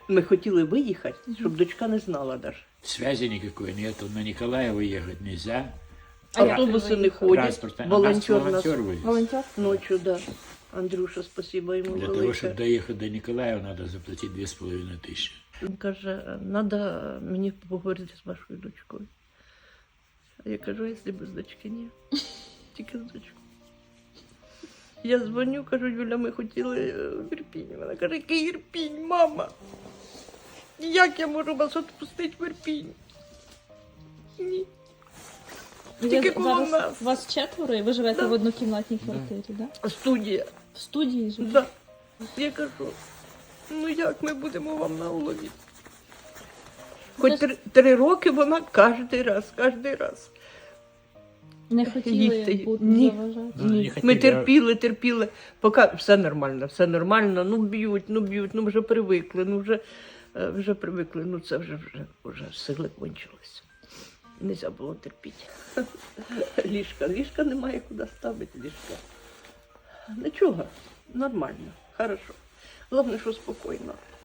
Ми хотіли виїхати, щоб дочка не знала навіть. Связи никакой нету, на Николаева ехать нельзя. Автобуси не ходять, Транспорта. волонтер нас волонтер возит. Волонтер? ночі, да. Андрюша, спасибо йому Для того, велике. чтобы доехать до Николаева, надо заплатить 2500. Він каже, треба мені поговорити з вашою дочкою. А я кажу, якщо без дочки, ні. Тільки з дочкою. Я дзвоню, кажу, Юля, ми хотіли в Ірпінь. Вона каже, який Ірпінь, мама? Як я можу вас відпустити в Ірпінь? Ні. Тільки коло нас. Вас 4 і ви живете Да. в однокімнатній квартирі, так? Да? Студія. В студії живете? Да. Я кажу, ну як ми будемо вам на улові? Хоч 3 роки вона кожен раз. Не хотіли Їсти. бути Ні. заважати? Ну, не Ні. хотіли, Ми терпіли, поки все нормально, ну б'ють, ну вже привикли, вже привикли, ну це вже сили кончилися. Нельзя було терпіти. Ліжка немає куди ставити, ліжка. Нічого, нормально, хорошо. Головне, що спокійно.